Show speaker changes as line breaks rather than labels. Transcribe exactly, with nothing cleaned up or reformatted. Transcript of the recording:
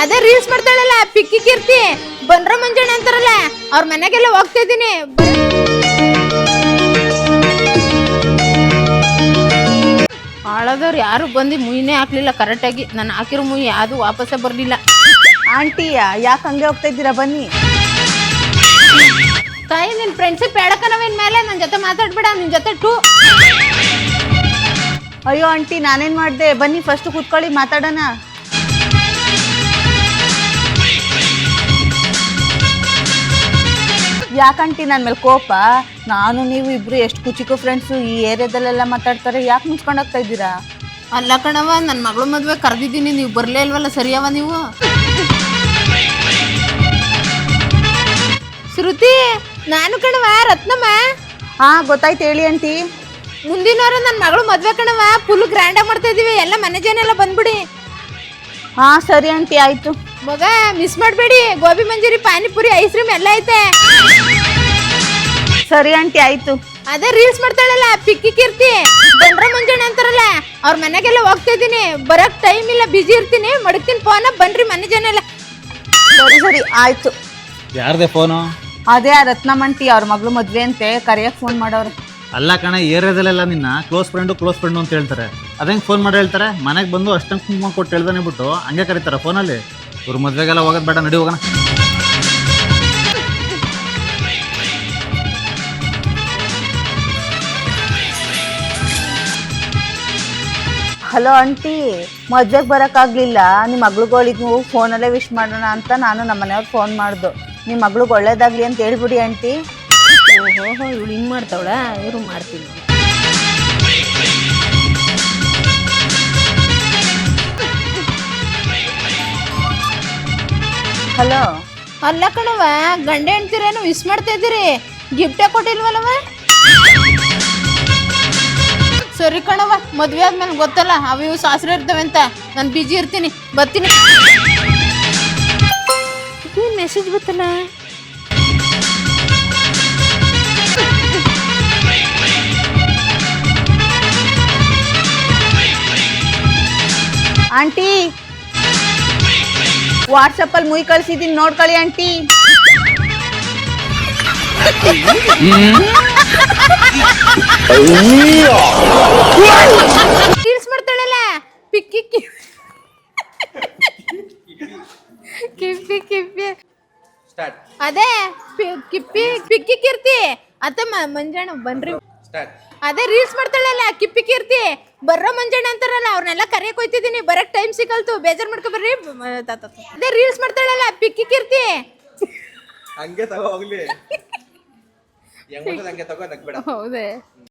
ಅದೇ ರೀಲ್ಸ್ ಮಾಡ್ತಾಳಲ್ಲ ಪಿಕ್ಕಿ ಕೀರ್ತಿ ಬಂದ್ರ ಮಂಜಣ್ಣ ಅಂತಾರಲ್ಲ ಅವ್ರ ಮನೆಗೆಲ್ಲ ಹೋಗ್ತಾ ಇದೀನಿ. ಹಾಳದವ್ರು ಯಾರು ಬಂದು ಮುಯಿನೇ ಹಾಕ್ಲಿಲ್ಲ ಕರೆಕ್ಟಾಗಿ. ನಾನು ಹಾಕಿರೋ ಮುಯಿ ಯಾವುದು ವಾಪಸ್ಸೇ ಬರಲಿಲ್ಲ.
ಆಂಟಿ ಯಾಕೆ ಹಂಗೆ ಹೋಗ್ತಾ ಇದ್ದೀರಾ? ಬನ್ನಿ.
ತಾಯಿ ನಿನ್ನ ಫ್ರೆಂಡ್ಶಿಪ್ ಬೇಡಕನವೇನ್ ಮೇಲೆ ನನ್ನ ಜೊತೆ ಮಾತಾಡ್ಬೇಡ. ನಿನ್ನ ಜೊತೆ ಟೂ.
ಅಯ್ಯೋ ಆಂಟಿ ನಾನೇನು ಮಾಡಿದೆ? ಬನ್ನಿ ಫಸ್ಟ್ ಕೂತ್ಕೊಳ್ಳಿ ಮಾತಾಡೋಣ. ಯಾಕಂಟಿ ನನ್ನ ಮೇಲೆ ಕೋಪ? ನಾನು ನೀವು ಇಬ್ರು ಎಷ್ಟು ಕುಚಿಕೋ ಫ್ರೆಂಡ್ಸು, ಈ ಏರಿಯಾದಲ್ಲೆಲ್ಲ ಮಾತಾಡ್ತಾರೆ, ಯಾಕೆ ಮುಚ್ಕೊಂಡು ಹೋಗ್ತಾ ಇದ್ದೀರಾ?
ಅಲ್ಲ ಕಣವ, ನನ್ನ ಮಗಳು ಮದುವೆ ಕರೆದಿದ್ದೀನಿ, ನೀವು ಬರಲೇ ಇಲ್ವಲ್ಲ. ಸರಿಯವ ನೀವು? ಶ್ರುತಿ ನಾನು ಕಣವ, ರತ್ನಮ್ಮ.
ಹಾ ಗೊತ್ತಾಯ್ತು, ಹೇಳಿ ಆಂಟಿ.
ಮುಂದಿನ ವಾರ ನನ್ನ ಮಗಳು ಮದುವೆ ಕಣವ, ಫುಲ್ ಗ್ರ್ಯಾಂಡಾಗಿ ಮಾಡ್ತಾ ಇದೀವಿ. ಎಲ್ಲ ಮನೆ ಜನ ಎಲ್ಲ ಬಂದ್ಬಿಡಿ.
ಹಾ ಸರಿ ಆಂಟಿ ಆಯ್ತು.
ಮಗ ಮಿಸ್ ಮಾಡಬೇಡಿ. ಗೋಬಿ ಮಂಜೂರಿ, ಪಾನಿಪುರಿ, ಐಸ್ ಕ್ರೀಮ್ ಎಲ್ಲ ಐತೆ.
ಸರಿ ಆಂಟಿ ಆಯ್ತು.
ಅದೇ ರೀಲ್ಸ್ ಮಾಡ್ತಾಳಲ್ಲ ಪಿಕ್ಕಿ ಕೀರ್ತಿ ಬಂದ್ರ ಮಂಜಣ್ಣ ಅಂತಾರಲ್ಲ ಅವ್ರ ಮನೆಗೆಲ್ಲ ಹೋಗ್ತಾ ಇದೀನಿ. ಬರಕ್ ಟೈಮ್ ಇಲ್ಲ, ಬಿಜಿ ಇರ್ತೀನಿ. ಮಡಗ್ತೀನಿ ಫೋನ, ಬನ್ರಿ ಮನೆ ಜನ ಎಲ್ಲ.
ಸರಿ ಸರಿ ಆಯ್ತು.
ಯಾರ್ದೆ ಫೋನು?
ಅದೇ ರತ್ನಮಂಟಿ ಅವ್ರ ಮಗಳು ಮದ್ವೆ ಅಂತೆ, ಕರೆಯಕ್ಕೆ ಫೋನ್ ಮಾಡೋರು.
ಅಲ್ಲ ಕಣ, ಏರಿಯಾದಲ್ಲೆಲ್ಲ ನಿನ್ನ ಕ್ಲೋಸ್ ಫ್ರೆಂಡು ಕ್ಲೋಸ್ ಫ್ರೆಂಡು ಅಂತ ಹೇಳ್ತಾರೆ. ಅದಂಗೆ ಫೋನ್ ಮಾಡಿ ಹೇಳ್ತಾರೆ? ಮನೆಗೆ ಬಂದು ಅಷ್ಟಂಗೆ ಕುಂಕುಮ ಕೊಟ್ಟು ಹೇಳ್ದಾನೆ ಬಿಟ್ಟು ಹಂಗೆ ಕರೀತಾರೆ ಫೋನಲ್ಲಿ. ಇವ್ರ ಮದುವೆಗೆಲ್ಲ ಹೋಗೋದು ಬೇಡ, ನಡಿ ಹೋಗೋಣ.
ಹಲೋ ಆಂಟಿ, ಮದ್ವೆಗೆ ಬರೋಕ್ಕಾಗಲಿಲ್ಲ. ನಿಮ್ಮ ಮಗ್ಳುಗಳಿಗೆ ಫೋನಲ್ಲೇ ವಿಶ್ ಮಾಡೋಣ ಅಂತ ನಾನು ನಮ್ಮ ಮನೆಯವ್ರಿಗೆ ಫೋನ್ ಮಾಡ್ದು. ನಿಮ್ಮ ಮಗ್ಳಿಗೆ ಒಳ್ಳೇದಾಗಲಿ ಅಂತ ಹೇಳ್ಬಿಡಿ ಆಂಟಿ.
ಓಹೋ ಇವಳು ಹಿಂಗೆ ಮಾಡ್ತಾವಳ? ಇವರು ಮಾಡ್ತೀನಿ.
ಹಲೋ.
ಅಲ್ಲ ಕಣವ, ಗಂಡ ಹೆಂಡ್ತಿರೇನು ವಿಶ್ ಮಾಡ್ತಾ ಇದ್ದೀರಿ, ಗಿಫ್ಟೇ ಕೊಟ್ಟಿಲ್ವಲ್ಲವ? ಸರಿ ಕಣವ, ಮದ್ವೆ ಆದ್ಮೇಲೆ ಗೊತ್ತಲ್ಲ ಅವು ಇವು ಸಾಸ್ರೆ ಇರ್ತವೆ ಅಂತ. ನಾನು ಬಿಜಿ ಇರ್ತೀನಿ, ಬರ್ತೀನಿ. ಏನು ಮೆಸೇಜ್ ಗೊತ್ತಲ್ಲ?
ಆಂಟಿ ವಾಟ್ಸಪ್ಪಲ್ಲಿ ಮುಯ್ ಕಳ್ಸಿದ್ದೀನಿ, ನೋಡ್ಕೊಳ್ಳಿ ಆಂಟಿ.
ರೀಲ್ಸ್ ಮಾಡ್ತಾಳಲ್ಲ ಪಿಕ್ಕಿ ಕಿಪ್ಪಿ ಕಿಪ್ಪಿ ಅದೇ ಕಿಪ್ಪಿ ಪಿಕ್ಕಿ ಕೀರ್ತಿ ಅತ್ತಮ್ಮ ಮಂಜಣ್ಣ ಬನ್ರಿ. ಅದೇ ರೀಲ್ಸ್ ಮಾಡ್ತಾಳಲ್ಲ ಕಿಪ್ಪಿ ಕೀರ್ತಿ ಬರ್ರ ಮಂಜಣ್ಣ ಅಂತಾರಲ್ಲ ಅವ್ರನ್ನೆಲ್ಲ ಕರೆಯಕ್ ಹೋಯ್ತಿದ್ದೀನಿ. ಬರಕ್ ಟೈಮ್ ಸಿಗಲ್ತು, ಬೇಜಾರ್ ಮಾಡ್ಕೊ ಬರ್ರಿ. ಅದೇ ರೀಲ್ಸ್ ಮಾಡ್ತಾಳಲ್ಲ ಪಿಕ್ಕಿ ಕೀರ್ತಿ
ಹಂಗೆ ತಗೋ ಹೋಗ್ಲಿ. ಹಂಗೆ ತಗೋ ನಗ್ಬೇಡ.
ಹೌದೇ?